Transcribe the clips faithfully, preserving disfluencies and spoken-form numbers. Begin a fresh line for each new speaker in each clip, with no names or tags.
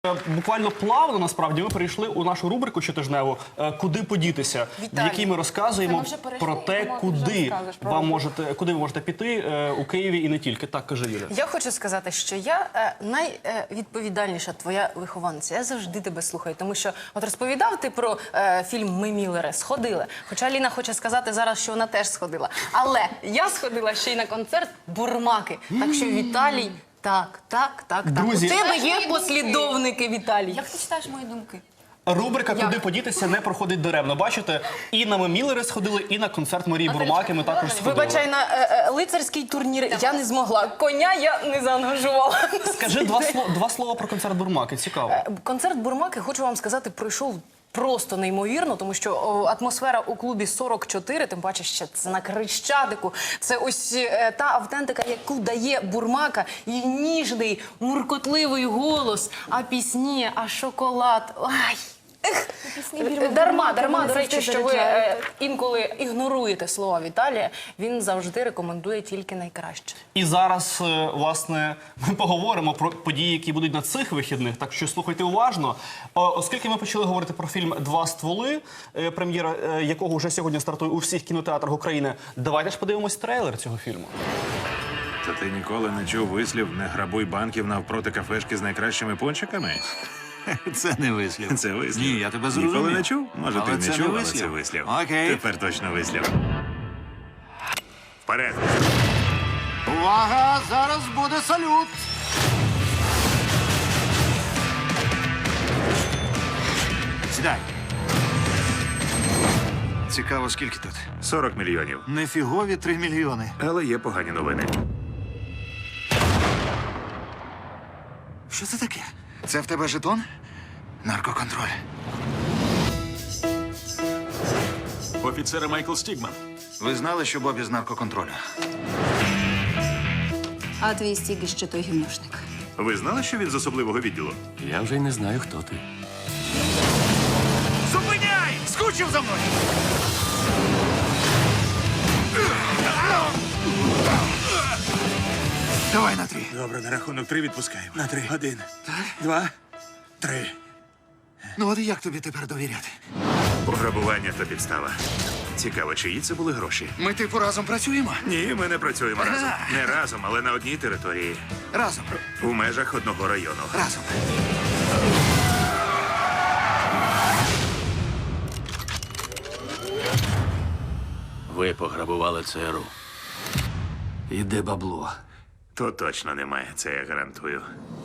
Буквально плавно, насправді, ми перейшли у нашу рубрику щотижневу «Куди подітися», в якій ми розказуємо про те, куди вам можете, куди ви можете піти у Києві і не тільки. Так, каже Юля.
Я хочу сказати, що я найвідповідальніша твоя вихованця. Я завжди тебе слухаю, тому що от розповідав ти про е, фільм «Ми Міллери», сходила. Хоча Ліна хоче сказати зараз, що вона теж сходила. Але я сходила ще й на концерт «Бурмаки». Так що, Віталій, так, так, так, так.
Друзі,
у тебе є послідовники, Віталій.
Як ти читаєш мої думки?
Рубрика «Куди подітися» не проходить даремно. Бачите, і на «Ми Міллери» сходили, і на концерт Марії Бурмаки ми також сходили.
Вибачай, на е, е, лицарський турнір я не змогла. Коня я не заангажувала.
Скажи два, слова, два слова про концерт Бурмаки, цікаво.
Концерт Бурмаки, хочу вам сказати, пройшов просто неймовірно, тому що о, атмосфера у клубі сорок чотири, тим паче ще це на Хрещатику, це ось е, та автентика, яку дає Бурмака, і ніжний, муркотливий голос, а пісні, а шоколад. Ай! Ех, дарма, дарма, до речі, що ви е, інколи ігноруєте слова Віталія, він завжди рекомендує тільки найкраще.
І зараз, е, власне, ми поговоримо про події, які будуть на цих вихідних, так що слухайте уважно. О, оскільки ми почали говорити про фільм «Два стволи», е, прем'єра е, якого вже сьогодні стартує у всіх кінотеатрах України, давайте ж подивимось трейлер цього фільму.
Та ти ніколи не чув вислів «не грабуй банків навпроти кафешки з найкращими пончиками»?
Це не вислів.
Це вислів.
Ні, я тебе зрозумів.
Ніколи не чув? Може,
Але
ти
це
не чув,
не
але
вислів.
це вислів.
Окей.
Тепер точно вислів. Вперед!
Увага! Зараз буде салют! Сідай. Цікаво, скільки тут?
сорок мільйонів.
Нефігові три мільйони.
Але є погані новини.
Що це таке? Це в тебе жетон? Наркоконтроль.
Офіцер Майкл Стігман.
Ви знали, що Бобі з наркоконтролю?
А твій стіг ще той гімнушник.
Ви знали, що він з особливого відділу?
Я вже й не знаю, хто ти.
Зупиняй! Скучив за мною! Давай на три.
Добре, на рахунок три відпускаємо. На три. Один. Два. Три.
Ну от як тобі тепер довіряти?
Пограбування та підстава. Цікаво, чиї це були гроші?
Ми типу разом працюємо?
Ні, ми не працюємо разом. Не разом, але на одній території.
Разом.
У межах одного району.
Разом.
Ви пограбували ЦРУ. Іде бабло.
То точно немає, це я гарантую.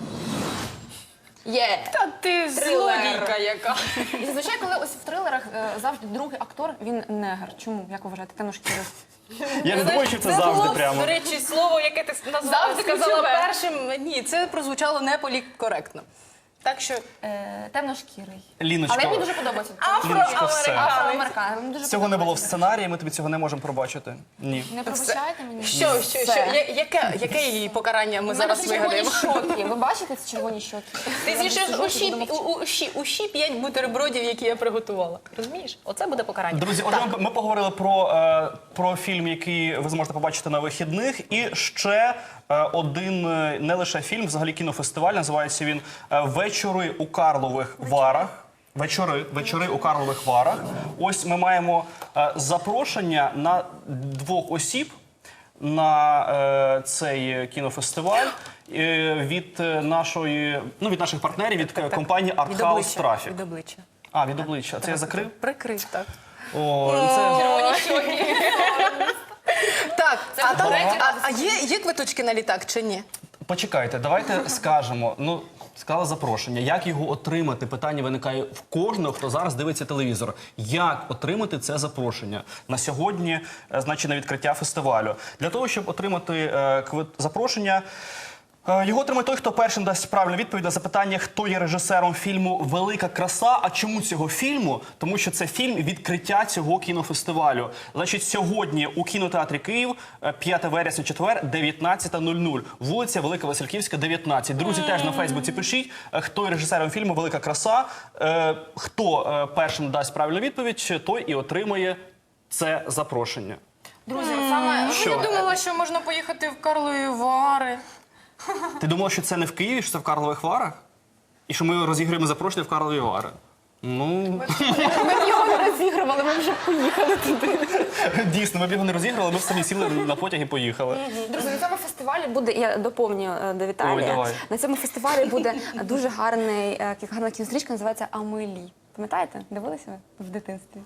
Є!
Та ти злодійка яка.
І зазвичай, коли ось в трилерах е, завжди другий актор, він негр. Чому? Як ви вважаєте? Темношкірий.
Я не думаю, що це завжди прямо.
До речі, слово, яке ти назвала,
Завжди
сказала
ключове.
першим, ні, це прозвучало не політкоректно. Так що
Е, темношкірий.
Ліночка,
Але мені дуже подобається.
Ліночка, все.
Афроамериканець. Мені дуже
Цього не було в
подобається.
сценарії, ми тобі цього не можемо пробачити. Ні.
Не пробачайте мені.
що, що, що, я- яке, яке її покарання ми
У мене
зараз
це червоні
вигадаємо?
щоки. Ви бачите ці червоні щоки?
Ти
Я
з'їшиш
сиджу,
усі,
буду мовчати.
у- усі, усі п'ять бутербродів, які я приготувала. Розумієш? Оце буде покарання.
Друзі, отже, ми, ми поговорили про, е, про фільм, який ви зможете побачити на вихідних. І ще е, один е, не лише фільм, взагалі кінофестиваль. Називається він е, «Вечори у Карлових Варах». Вечори, вечори у Карлових Варах. Ось ми маємо е, запрошення на двох осіб на е, цей кінофестиваль е, від е, нашої, ну, від наших партнерів, від е, компанії
Від
Art House
обличчя,
Traffic.
від обличчя.
А, від обличчя. Це я закрив?
Прикрив, так.
О, це...
Червоні щоки.
Так, а, там,
третє.
а, а є, є квиточки на літак чи ні?
Почекайте, давайте скажемо. Ну, сказали запрошення. Як його отримати? Питання виникає в кожного, хто зараз дивиться телевізор. Як отримати це запрошення? На сьогодні, е, значить, на відкриття фестивалю. Для того, щоб отримати е, квит... запрошення, е, його отримає той, хто першим дасть правильну відповідь на запитання, хто є режисером фільму «Велика краса». А чому цього фільму? Тому що це фільм відкриття цього кінофестивалю. Значить, сьогодні у кінотеатрі Київ, е, п'яте вересня, четвер, дев'ятнадцята нуль нуль. Вулиця Велика Васильківська, дев'ятнадцять. Друзі, теж на Фейсбуці пишіть, е, хто є режисером фільму «Велика краса». Е, Хто е, першим дасть правильну відповідь, той і отримає це запрошення.
Друзі, от саме...
Що?
Я думала, що можна поїхати в Карлові Вари.
Ти думала, що це не в Києві, що це в Карлових Варах? І що ми розіграємо запрошення в Карлові Вари. Ну,
Ми б його не розігрували, ми вже поїхали туди.
дійсно, ми б його не розіграли, ми б самі сіли на потяг і поїхали.
Друзі, на цьому фестивалі буде, я доповню е, до
Ой,
Віталія.
давай.
На цьому фестивалі буде дуже гарний, е, гарна кінострічка, називається «Амелі». Пам'ятаєте? Дивилися ви в дитинстві?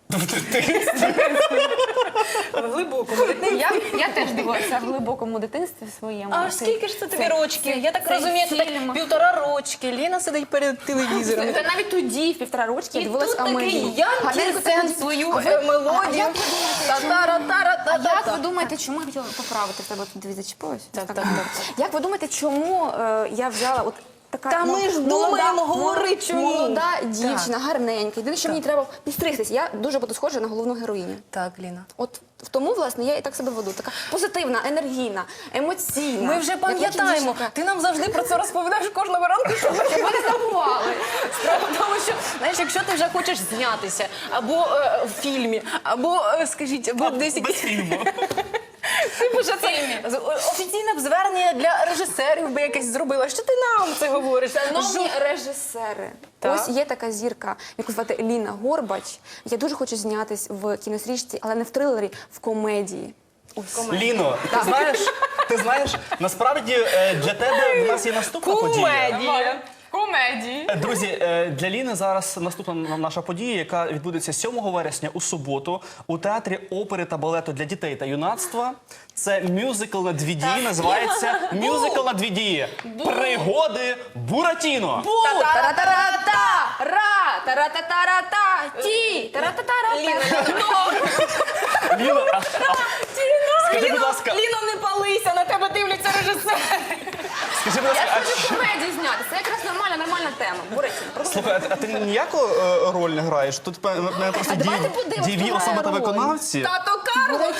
В глибокому.
Я, я теж дивилася в глибокому дитинстві своєму.
А
Це-
скільки ж це тобі
це-
рочків?
це-
Я так
це
розумію, це так
фільм.
півтора рочки. Ліна сидить перед телевізором.
Та навіть тоді, в півтора рочки, я
І
дивилась
тут
«Амелі».
такий Ян
Гарненько
Тірсен
таку-
свою
А ви-
е,
А
мелодію.
як ви думаєте, чому-
Та-та-ра-та-ра-та-та-та.
Як ви думаєте, чому я хотіла поправити в тебе тут дві зачепилось?
Так,
Так,
так,
так.
так.
Як ви думаєте, чому е, я взяла от така
Та ми ж
молода-
думаємо,
молода-
говори, чому.
молода дівчина, гарненька. Єдине, що мені треба підстригтися. Я дуже буду схожа на головну героїню.
Так, Ліна.
От в тому, власне, я і так себе веду. Така позитивна, енергійна, емоційна.
Ми вже
Як
пам'ятаємо.
дівчинка.
Ти нам завжди про це розповідаєш кожного ранку, щоб ми
Щоб ви не забували.
Справа в тому, що знаєш, якщо ти вже хочеш знятися або е, в фільмі, або е, скажіть, або десь
Без
якісь
фільму.
типу, що це з- о- офіційне б звернення для режисерів би якесь зробила. Що ти нам це говориш?
Шановні режисери,
Так.
ось є така зірка, яку звати Ліна Горбач. Я дуже хочу знятись в кінострічці, але не в трилері, в комедії. Ось.
Ліно, ти знаєш, ти знаєш, насправді е, для тебе в нас є наступна подія.
Комедія.
Комедії.
Е, Друзі, е, для Ліни зараз наступна наша подія, яка відбудеться сьомого вересня у суботу у театрі опери та балету для дітей та юнацтва. Це мюзикл на дві дії, називається мюзикл на дві дії. Пригоди Буратіно.
Та-та-ра-та-ра-та! Ра! Та-ра-та-та-ра-та! Ті! Та-ра-та-та-ра-та!
Ліно, а, а, скажи, будь ласка,
Ліно, не палися, на тебе дивляться режисери.
скажи, будь ласка,
Я
а
хочу
що-
комедію зняти. Це якраз нормальна, нормальна тема. Буратіно.
Слухай, а ти- а ти ніяку е, роль не граєш? Тут пе- мене просто
А давайте
дії-
подивимось,
дієві
хто
особи та
грає роль.
виконавці.
Тато Карло.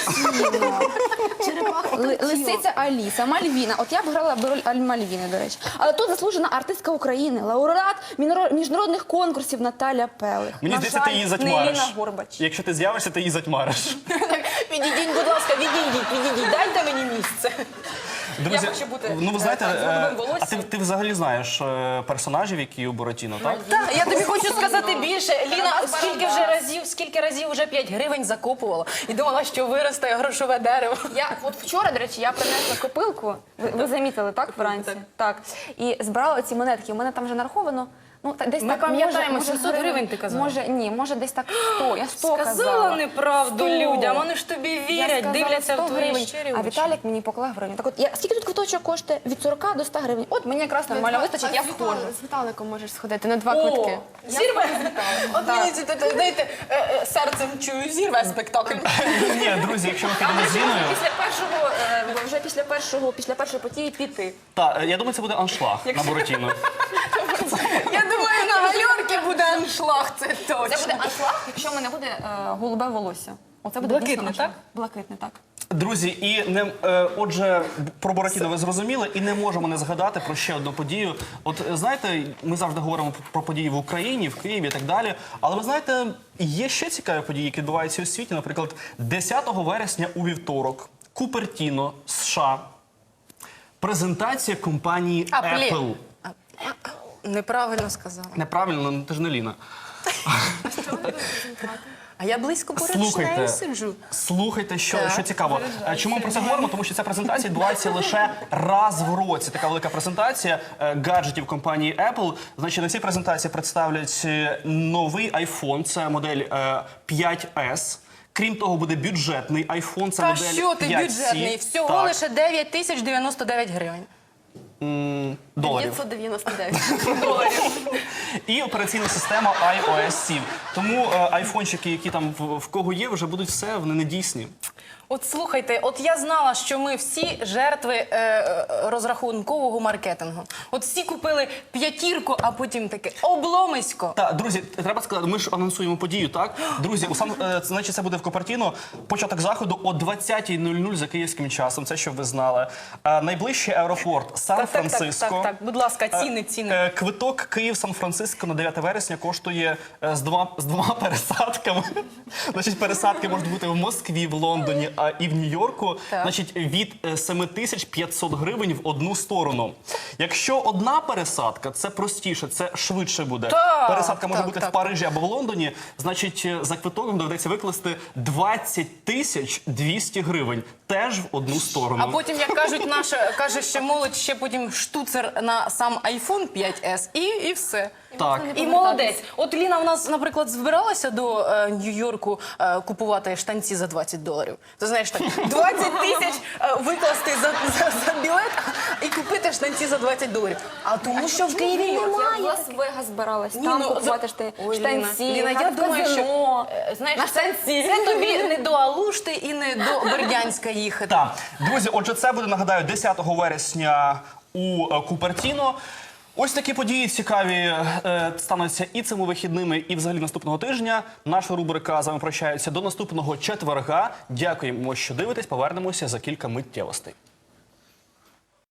Ли- Лисиця Аліса, Мальвіна. От я б грала б роль Аль- Мальвіни, до речі. Але тут заслужена артистка України, лауреат міноро- міжнародних конкурсів Наталя Пелих.
Мені
На
здається, ти
жаль,
її
не
затьмариш.
Ліна Горбач.
Якщо ти з'явишся, ти її затьмариш.
Відійдіть, будь ласка, відійдіть, відійдіть, дайте мені місце.
Друзі,
хочу бути,
ну ви знаєте,
е, так, з голубим
е, а
волоссям.
ти, ти взагалі знаєш е, персонажів, які у Буратіно, так?
Так, я тобі хочу сказати більше. Ліна,
Барабас,
скільки вже разів, скільки разів вже п'ять гривень закопувала і думала, що виросте грошове дерево.
Я от вчора, до речі, я принесла копилку. Ви, ви замітили, так, вранці? Так. І збирала ці монетки. У мене там вже нараховано. Ну, та- десь
Ми
так,
пам'ятаємо,
може, може,
сімсот гривень ти казала.
Може, ні, може десь так сто. Я сто казала.
Сказала неправду
сто.
людям, вони ж тобі
Я
вірять,
сказала
дивляться
сто
в твої
гривень,
щирі
а
очі.
Віталік мені поклав гривню. Так от, я, скільки тут квиточок коштує? Від сорока до ста гривень. От мені якраз нормально вистачить, я входжу.
З Віталиком можеш сходити на два
О,
квитки.
зірве? От мені це, це, знаєте, е, е, серцем чую, зірве спектакль.
Ні, друзі, якщо ми підемо з Ліною,
Після першого, е, вже після першого, після першої події піти.
та я думаю, це буде аншлаг на Буратіно.
Я думаю, на гальорки буде аншлаг, це точно.
Це буде аншлаг, якщо в мене буде е, голубе волосся. Оце буде
Блакитне,
дійсно аншлаг.
так?
Блакитне, так.
Друзі, і не е, отже, про Буратіно ви зрозуміли, і не можемо не згадати про ще одну подію. От е, знаєте, ми завжди говоримо про події в Україні, в Києві і так далі. Але ви знаєте, є ще цікаві події, які відбуваються у світі. Наприклад, десятого вересня у вівторок, Купертіно, США, презентація компанії
Apple.
Apple.
Неправильно сказала.
Неправильно, ну ти ж не Ліна.
А я близько поруч з
Слухайте,
нею сиджу.
слухайте, що,
Так,
що цікаво.
переживаю.
Е, Чому ми про це говоримо? Тому що ця презентація відбувається лише раз в році. Така велика презентація е, гаджетів компанії Apple. Значить, на цій презентації представлять е, новий iPhone, це модель е, п'ять ес. Крім того, буде бюджетний iPhone, це
Та
модель
що ти
п'ять сі.
бюджетний? Всього
Так,
лише дев'ять тисяч дев'яносто дев'ять гривень.
доларів.
дев'ятсот дев'яносто дев'ять.
І операційна система ай о ес сім. Тому е, айфончики, які там в, в кого є, вже будуть все, вони недійсні.
От слухайте, от я знала, що ми всі жертви е, е, розрахункового маркетингу. От всі купили п'ятірку, а потім таке обломисько.
Так, друзі, треба сказати, ми ж анонсуємо подію, так? Друзі, у Сан, е, значить, це буде в Купертіно. Початок заходу о двадцятій нуль нуль за київським часом. Це щоб ви знали. Е, найближчий аеропорт
Так, так, так,
Сан-Франциско.
так, так, будь ласка, ціни, ціни.
Е, Квиток Київ-Сан-Франциско на дев'яте вересня коштує е, з, два, з двома пересадками. Значить, пересадки можуть бути в Москві, в Лондоні, Лондоні а, і в Нью-Йорку,
Так.
значить, від е, сім тисяч п'ятсот гривень в одну сторону. Якщо одна пересадка, це простіше, це швидше буде.
Так,
Пересадка може
так,
бути
так.
в Парижі або в Лондоні, значить, е, за квиток доведеться викласти двадцять тисяч двісті гривень. Теж в одну сторону.
А потім, як кажуть, наша каже, ще молодь, ще потім штуцер на сам айфон п'ять ес і, і все.
Так.
І молодець. От Ліна в нас, наприклад, збиралася до е, Нью-Йорку е, купувати штанці за двадцять доларів. Ти знаєш, так, двадцять тисяч е, викласти за, за, за білет і купити штанці за двадцять доларів. А тому що в Києві
Я в
немає.
Лас-Вегас збиралась,
Ні,
там
ну,
купувати
за-
шти-
Ой, Ліна,
штанці,
Ліна, я
грати в
думаю, що
казино.
е, знаєш,
На
це,
штанці.
це тобі не до Алушти і не до Бердянська їхати.
Так, друзі, отже, це буде, нагадаю, десятого вересня у е, Купертіно. Ось такі події цікаві е, стануться і цими вихідними, і взагалі наступного тижня. Наша рубрика з вами прощається до наступного четверга. Дякуємо, що дивитесь. Повернемося за кілька миттєвостей.